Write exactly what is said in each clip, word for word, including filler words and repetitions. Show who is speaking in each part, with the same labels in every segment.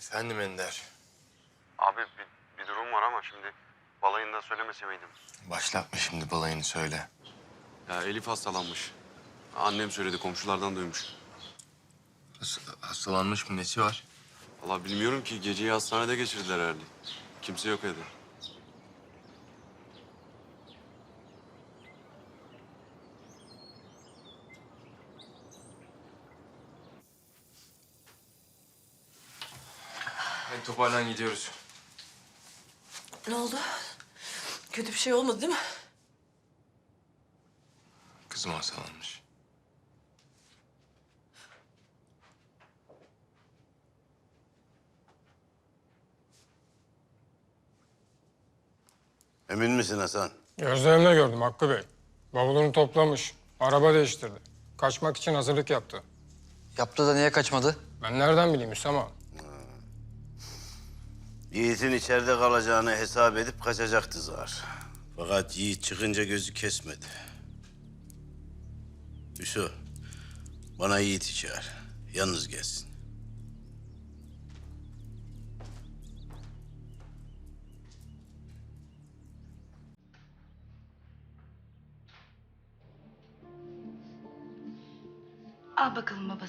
Speaker 1: Efendim Ender.
Speaker 2: Abi bir, bir durum var ama şimdi balayında söylemese miydim?
Speaker 1: Başlatma şimdi balayını söyle.
Speaker 2: Ya Elif hastalanmış. Annem söyledi, komşulardan duymuş.
Speaker 1: Has- hastalanmış mı, nesi var?
Speaker 2: Vallahi bilmiyorum ki, geceyi hastanede geçirdiler herhalde. Kimse yok evde.
Speaker 1: Hadi toparlan, gidiyoruz.
Speaker 3: Ne oldu? Kötü bir şey olmadı değil mi?
Speaker 1: Kızım hastalanmış.
Speaker 4: Emin misin Hasan?
Speaker 5: Gözlerimle gördüm Hakkı Bey. Bavulunu toplamış, araba değiştirdi. Kaçmak için hazırlık yaptı.
Speaker 6: Yaptı da niye kaçmadı?
Speaker 5: Ben nereden bileyim Hüsam ağa?
Speaker 4: Yiğit'in içeride kalacağını hesap edip kaçacaktı zar. Fakat Yiğit çıkınca gözü kesmedi. Hüsnü, bana Yiğit'i çağır. Yalnız gelsin.
Speaker 7: Al bakalım babası.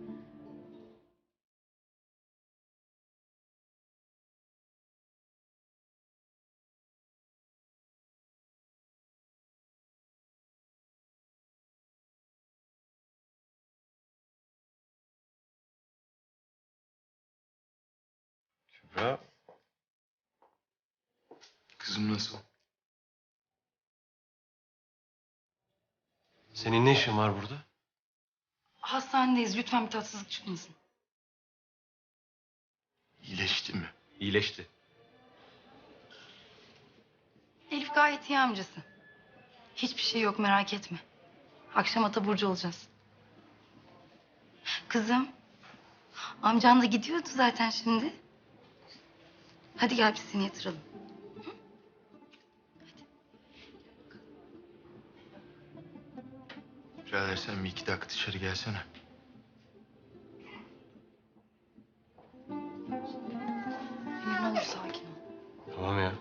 Speaker 1: Kübra. Kızım nasıl?
Speaker 8: Senin ne işin var burada?
Speaker 7: Hastanedeyiz. Lütfen bir tatsızlık çıkmasın.
Speaker 1: İyileşti mi?
Speaker 8: İyileşti.
Speaker 7: Elif gayet iyi amcası. Hiçbir şey yok, merak etme. Akşama taburcu olacağız. Kızım, amcan da gidiyordu zaten şimdi. Hadi gel biz seni yatıralım.
Speaker 1: Birader sen bir iki dakika dışarı gelsene.
Speaker 7: Emir, ne olur sakin ol.
Speaker 8: Tamam ya.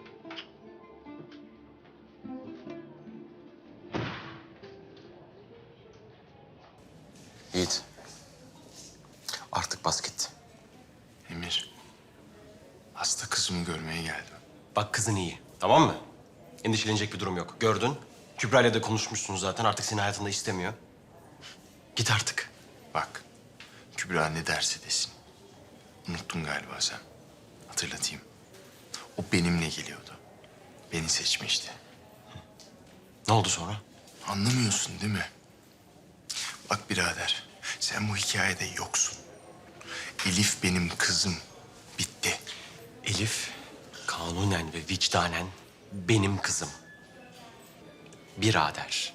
Speaker 1: Yiğit. Artık bas git. Emir. Hasta kızımı görmeye geldim.
Speaker 8: Bak kızın iyi. Tamam mı? Endişelenecek bir durum yok. Gördün. Kübra ile de konuşmuşsun zaten. Artık seni hayatında istemiyor. Git artık.
Speaker 1: Bak. Kübra ne derse desin. Unuttun galiba sen. Hatırlatayım. O benimle geliyordu. Beni seçmişti.
Speaker 8: Ne oldu sonra?
Speaker 1: Anlamıyorsun değil mi? Bak birader, sen bu hikayede yoksun. Elif benim kızım. Bitti.
Speaker 8: Elif kanunen ve vicdanen benim kızım. Birader.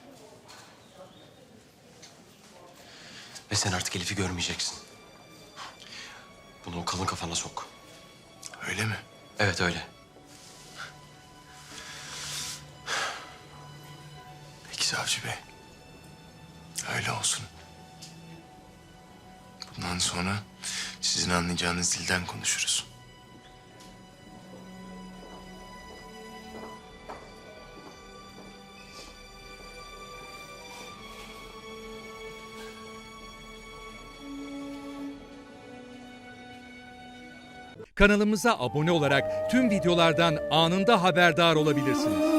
Speaker 8: Ve sen artık Elif'i görmeyeceksin. Bunu o kalın kafana sok.
Speaker 1: Öyle mi?
Speaker 8: Evet öyle.
Speaker 1: Peki savcı bey. Öyle olsun. Bundan sonra sizin anlayacağınız dilden konuşuruz.
Speaker 9: Kanalımıza abone olarak tüm videolardan anında haberdar olabilirsiniz.